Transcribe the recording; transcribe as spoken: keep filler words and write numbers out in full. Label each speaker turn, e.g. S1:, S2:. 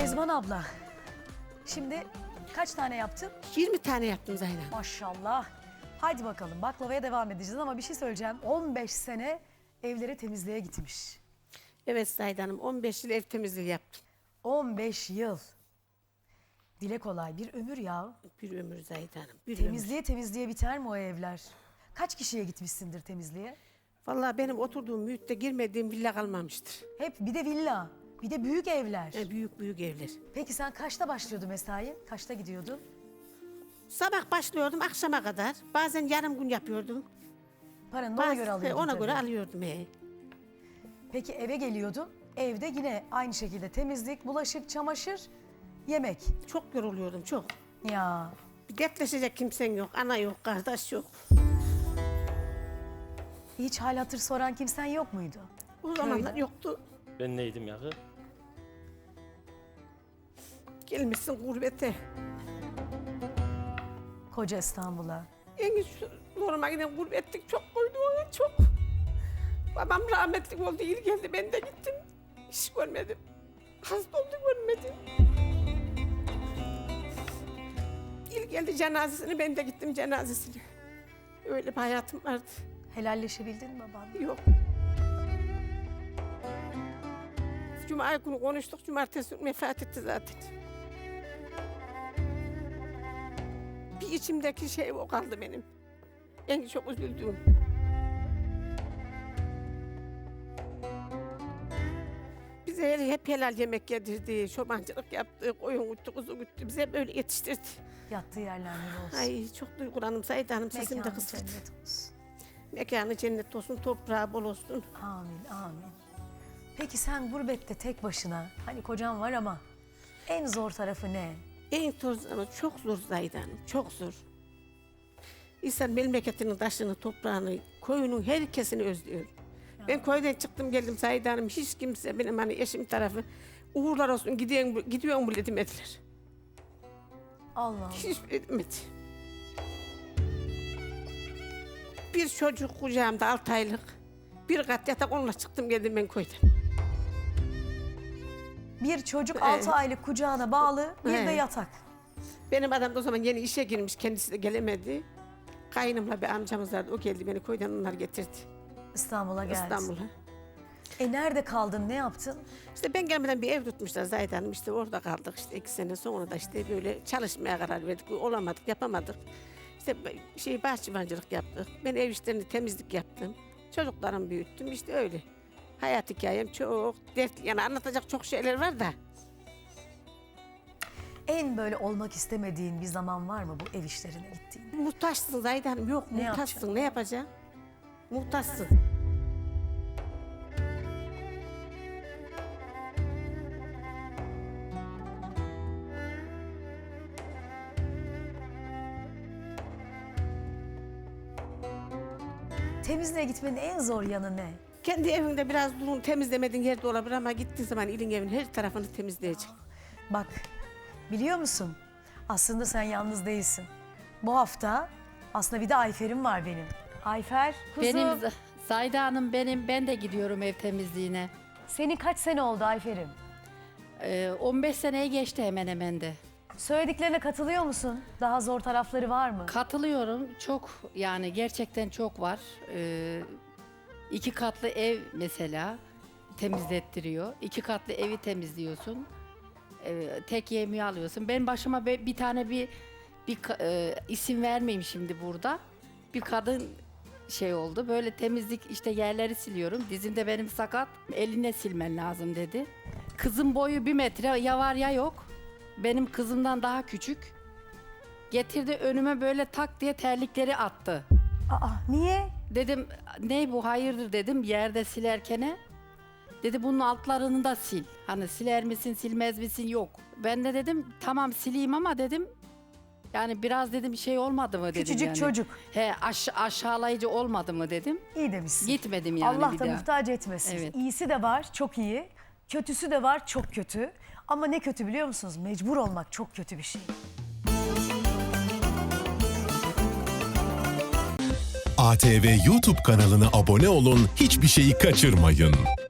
S1: Kezban abla, şimdi kaç tane yaptın?
S2: yirmi tane yaptım Zahra.
S1: Maşallah. Haydi bakalım, baklavaya devam edeceğiz ama bir şey söyleyeceğim. on beş sene evleri temizliğe gitmiş.
S2: Evet Zahra Hanım, on beş yıl ev temizliği yaptım.
S1: on beş yıl. Dile kolay, bir ömür ya.
S2: Bir ömür Zahra Hanım, bir
S1: Temizliğe temizliğe biter mi o evler? Kaç kişiye gitmişsindir temizliğe?
S2: ömür. Vallahi benim oturduğum mühitte girmediğim villa kalmamıştır.
S1: Hep bir de villa, bir de büyük evler.
S2: Yani büyük büyük evler.
S1: Peki sen kaçta başlıyordu mesai? Kaçta gidiyordun?
S2: Sabah başlıyordum akşama kadar. Bazen yarım gün yapıyordum.
S1: Paranı da ona
S2: Bazen
S1: göre alıyordun
S2: ona
S1: tabii.
S2: göre alıyordum. He.
S1: Peki eve geliyordun, evde yine aynı şekilde temizlik, bulaşık, çamaşır, yemek.
S2: Çok yoruluyordum çok.
S1: Ya
S2: Bir dertleşecek kimsen yok, ana yok, kardeş yok.
S1: hiç hal hatır soran kimsen yok muydu?
S2: O zamanlar yoktu.
S3: Ben neydim yağı?
S2: Gelmişsin gurbete.
S1: Koca İstanbul'a.
S2: En zoruma giden gurbetlik çok koydu ona çok. Babam rahmetli oldu, iyi geldi, ben de gittim. İş görmedim. Hasta oldu, görmedim. İyi geldi cenazesine, ben de gittim cenazesine. Öyle bir hayatım vardı.
S1: Helalleşebildin mi babanla?
S2: Yok. Cuma günü konuştuk, cumartesi günü vefat etti zaten. Bir içimdeki şey o kaldı benim. En çok üzüldüğüm. Bize hep helal yemek yedirdi, çobancılık yaptı, koyun güttü, kuzu güttü. Bize böyle yetiştirdi.
S1: Yattığı yerler nur olsun.
S2: Ay çok duygulandım Saide Hanım, sesim de
S1: Mekanı
S2: kısıldı.
S1: cennet olsun.
S2: Mekanı cennet olsun, toprağı bol olsun.
S1: Amin, amin. Peki sen gurbette tek başına, hani kocan var ama en zor tarafı ne?
S2: En zor zaman çok zor Zahide Hanım, çok zor. İnsan memleketinin taşını, toprağını, koyunun herkesini özlüyor. Ben köyden çıktım geldim Zahide Hanım, hiç kimse benim hani eşim tarafı uğurlar olsun gidiyorsun, gidiyorsun bile demediler.
S1: Allah Allah.
S2: Hiç bile demedi. Bir çocuk kucağımda altı aylık, bir kat yatak onunla çıktım geldim ben köyden.
S1: Bir çocuk
S2: Evet.
S1: altı aylık kucağına bağlı, bir de
S2: Evet.
S1: yatak.
S2: Benim adam da o zaman yeni işe girmiş, kendisi de gelemedi. Kaynımla bir amcamız vardı, o geldi beni köyden onlar getirdi.
S1: İstanbul'a geldi.
S2: İstanbul'a.
S1: E nerede kaldın, ne yaptın?
S2: İşte ben gelmeden bir ev tutmuşlar Zahide Hanım, işte orada kaldık işte iki sene sonra da işte böyle çalışmaya karar verdik. Olamadık, yapamadık. İşte şey bahçıvancılık yaptık. Ben ev işlerini temizlik yaptım. Çocuklarımı büyüttüm işte öyle. Hayat hikayem çok dertli, yani anlatacak çok şeyler var da.
S1: En böyle olmak istemediğin bir zaman var mı bu ev işlerine gittiğin?
S2: Muhtaçsın Zahide Hanım, yok
S1: Ne
S2: muhtaçsın,
S1: yapacaksın?
S2: ne yapacaksın? Muhtaçsın.
S1: Temizliğe gitmenin en zor yanı ne?
S2: Kendi evinde biraz durun, temizlemediğin yerde olabilir ama gittiğin zaman ilin evin her tarafını temizleyecek.
S1: Bak, biliyor musun? Aslında sen yalnız değilsin. Bu hafta aslında bir de Ayfer'im var benim. Ayfer, kuzum.
S4: Benim Z- Zahide Hanım benim, ben de gidiyorum ev temizliğine.
S1: Senin kaç sene oldu Ayfer'im?
S4: Ee, on beş seneye geçti hemen hemen de.
S1: Söylediklerine katılıyor musun? Daha zor tarafları var mı?
S4: Katılıyorum, çok yani gerçekten çok var. Ee, iki katlı ev mesela temizlettiriyor. İki katlı evi temizliyorsun. Ee, tek yemeği alıyorsun. Ben başıma be- bir tane bir bir ka- e, isim vermeyeyim şimdi burada. Bir kadın şey oldu. Böyle temizlik işte yerleri siliyorum. Dizimde benim sakat. Eline silmen lazım dedi. Kızın boyu bir metre ya var ya yok. Benim kızımdan daha küçük. Getirdi önüme böyle tak diye terlikleri attı.
S1: Aa, niye?
S4: Dedim ne bu hayırdır dedim yerde silerkene. Dedi bunun altlarını da sil. Hani siler misin silmez misin yok. Ben de dedim tamam sileyim ama dedim yani biraz dedim şey olmadı mı dedim
S1: Küçücük
S4: yani.
S1: çocuk.
S4: He aş- aşağılayıcı olmadı mı dedim.
S1: İyi demişsin.
S4: Gitmedim yani
S1: Allah
S4: bir
S1: da
S4: daha.
S1: muhtaç etmesin.
S4: Evet.
S1: İyisi de var, çok iyi. Kötüsü de var, çok kötü. Ama ne kötü biliyor musunuz? Mecbur olmak çok kötü bir şey.
S5: A T V YouTube kanalına abone olun, hiçbir şeyi kaçırmayın.